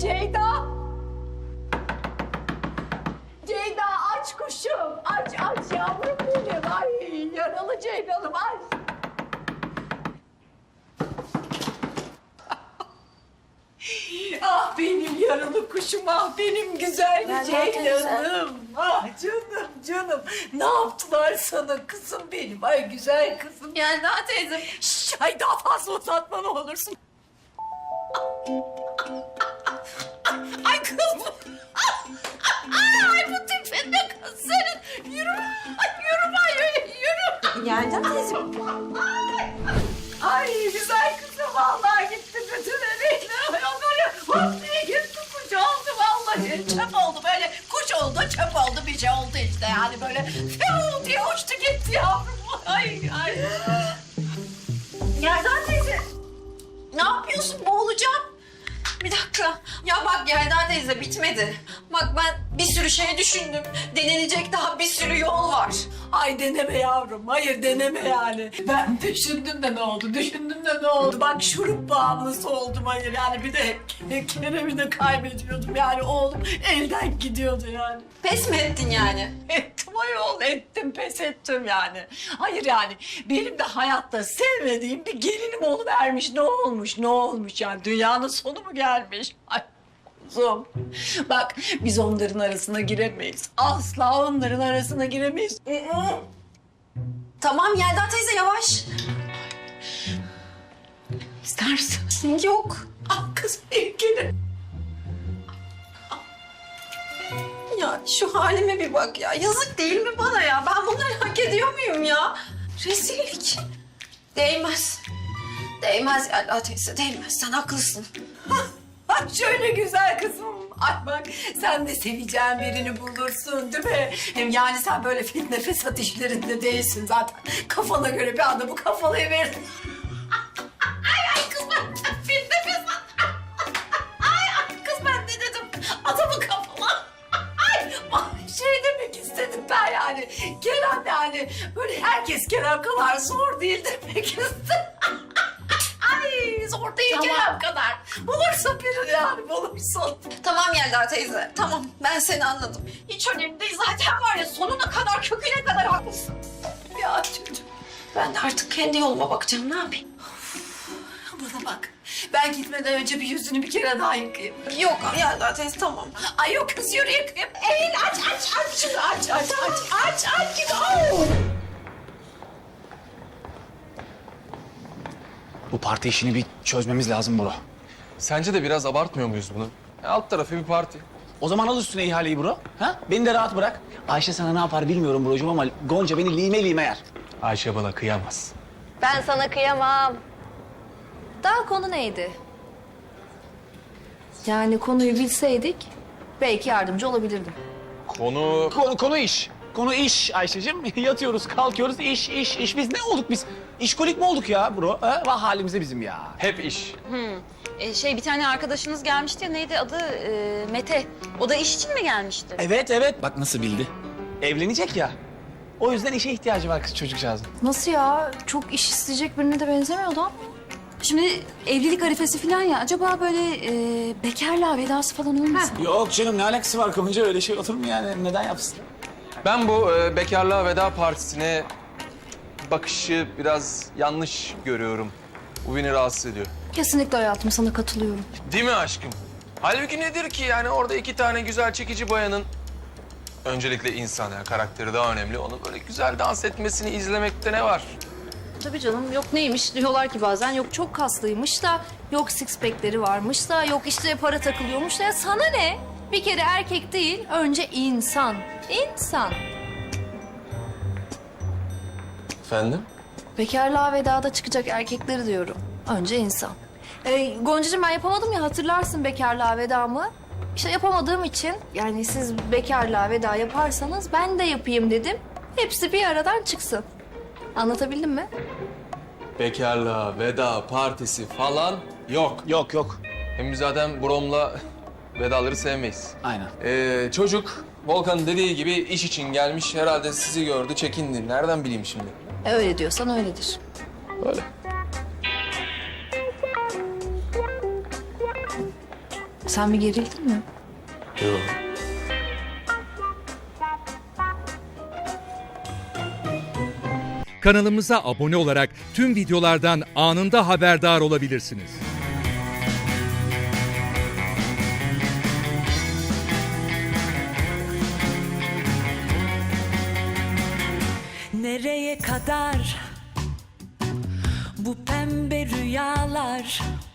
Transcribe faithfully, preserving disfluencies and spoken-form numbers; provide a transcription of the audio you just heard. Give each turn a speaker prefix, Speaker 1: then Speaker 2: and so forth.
Speaker 1: Ceyda! Ceyda aç kuşum. Aç aç yavrum benim. Ay yaralı Ceylan'ım aç. Ah benim yaralı kuşum, ah benim güzel
Speaker 2: Ben
Speaker 1: Ceylan'ım. Ah canım canım. Ne yaptılar sana kızım benim? Ay güzel kızım.
Speaker 2: Yelda teyze.
Speaker 1: Şş, ay daha fazla uzatma ne olursun. Ay kız bu. Ay bu tipin ne kız senin. Yürü. Ay yürü ay yürü.
Speaker 2: Yelda teyze.
Speaker 1: Ay, ay güzel kızım vallahi gitti bütün emeğine. Ay o böyle hop diye gitti kuş oldu vallahi. Çöp oldu böyle kuş oldu çöp oldu bir şey oldu işte yani böyle fiu diye uçtu gitti yavrum. Ay ay.
Speaker 2: Yelda teyze. Ne yapıyorsun? Boğulacağım. Bir dakika. Ya bak Yelda teyze bitmedi. Bak ben bir sürü şey düşündüm. Denenecek daha bir sürü yol var.
Speaker 1: Ay deneme yavrum. Hayır deneme yani. Ben düşündüm de ne oldu? Düşündüm de ne oldu? Bak şurup bağımlısı oldum hayır yani. Bir de Kerem'i de kaybediyordum yani. Oğlum elden gidiyordu yani.
Speaker 2: Pes mi ettin yani?
Speaker 1: Ettim ayol ettim pes ettim yani. Hayır yani benim de hayatta sevmediğim bir gelinim oluvermiş. Ne olmuş ne olmuş yani dünyanın sonu mu gelmiş? Ay kuzum bak biz onların arasına giremeyiz. Asla onların arasına giremeyiz.
Speaker 2: Tamam Yelda teyze yavaş.
Speaker 1: İster misin?
Speaker 2: Yok.
Speaker 1: Ah kız ilgili.
Speaker 2: Ya şu halime bir bak ya. Yazık değil mi bana ya? Ben bunları hak ediyor muyum ya? Rezillik. Değmez. Değmez Yelda teyze değmez. Sen haklısın.
Speaker 1: Ay şöyle güzel kızım. Ay bak sen de seveceğin birini bulursun değil mi? Hem yani sen böyle fitne fesat işlerinde değilsin zaten. Kafana göre bir anda bu kafayı ver. Ay ay kız ben fitne fesat. Ay ay kız ben ne dedim? Adamın kafana. Ay, ay şey demek istedim ben yani. Kerem yani böyle herkes Kerem kadar zor değil demek istedim. Ay zor değil
Speaker 2: Tamam.
Speaker 1: Kerem kadar. Bulursun birini yani bulursun.
Speaker 2: Tamam Yelda teyze. Tamam ben seni anladım. Hiç önemli değil. Zaten var ya sonuna kadar köküne kadar haklısın.
Speaker 1: Ya çocuğum
Speaker 2: Ben de artık kendi yoluma bakacağım. Ne yapayım?
Speaker 1: bana bak. Ben gitmeden önce bir yüzünü bir kere daha yıkayayım.
Speaker 2: Yok Yelda teyze tamam.
Speaker 1: Ay yok kız yürü yıkayayım. Eğil aç aç aç şunu aç aç aç aç aç git. Oh.
Speaker 3: Bu parti işini bir çözmemiz lazım bro.
Speaker 4: Sence de biraz abartmıyor muyuz bunu? Ya alt tarafı bir parti.
Speaker 3: O zaman al üstüne ihaleyi bro. Ha? Beni de rahat bırak. Ayşe sana ne yapar bilmiyorum brocuğum ama Gonca beni lime lime yer.
Speaker 4: Ayşe bana kıyamaz.
Speaker 5: Ben sana kıyamam. Daha konu neydi? Yani konuyu bilseydik belki yardımcı olabilirdim.
Speaker 4: Konu...
Speaker 3: Konu, konu iş. Konu iş Ayşe'cim. Yatıyoruz, kalkıyoruz. İş, iş, iş. Biz ne olduk biz? İşkolik mi olduk ya bro? Ha? Vah halimize bizim ya.
Speaker 4: Hep iş.
Speaker 6: Ee, şey bir tane arkadaşınız gelmişti ya neydi adı Ee, Mete. O da iş için mi gelmişti?
Speaker 3: Evet, evet. Bak nasıl bildi. Evlenecek ya. O yüzden işe ihtiyacı var kız çocukcağızın.
Speaker 5: Nasıl ya? Çok iş isteyecek birine de benzemiyordu ama.
Speaker 6: Şimdi evlilik arifesi falan ya acaba böyle e, bekarlığa vedası falan olmasın?
Speaker 3: Yok canım ne alakası var Gonca? Öyle şey olur mu yani? Neden yapsın?
Speaker 4: Ben bu e, bekarlığa veda partisine bakışı biraz yanlış görüyorum. Bu beni rahatsız ediyor.
Speaker 5: Kesinlikle hayatım sana katılıyorum.
Speaker 4: Değil mi aşkım? Halbuki nedir ki yani orada iki tane güzel çekici bayanın... Öncelikle insan yani karakteri daha önemli. Onu böyle güzel dans etmesini izlemekte ne var?
Speaker 5: Tabii canım yok neymiş diyorlar ki bazen yok çok kaslıymış da yok six pack'leri varmış da yok işte para takılıyormuş da ya sana ne? Bir kere erkek değil önce insan. İnsan.
Speaker 4: Efendim?
Speaker 5: Bekarlığa vedada çıkacak erkekleri diyorum. Önce insan. Ee, Goncacığım ben yapamadım ya hatırlarsın bekarlığa vedamı. İşte yapamadığım için yani siz bekarlığa veda yaparsanız ben de yapayım dedim. Hepsi bir aradan çıksın. Anlatabildim mi?
Speaker 4: Bekarlığa veda partisi falan yok.
Speaker 3: Yok, yok.
Speaker 4: Hem biz zaten Brom'la vedaları sevmeyiz.
Speaker 3: Aynen.
Speaker 4: Ee, çocuk Volkan'ın dediği gibi iş için gelmiş. Herhalde sizi gördü, çekindi. Nereden bileyim şimdi?
Speaker 5: E, öyle diyorsan öyledir.
Speaker 4: Öyle.
Speaker 5: Sen bir gerildin mi?
Speaker 4: Yok.
Speaker 7: Kanalımıza abone olarak tüm videolardan anında haberdar olabilirsiniz.
Speaker 8: Nereye kadar bu pembe rüyalar?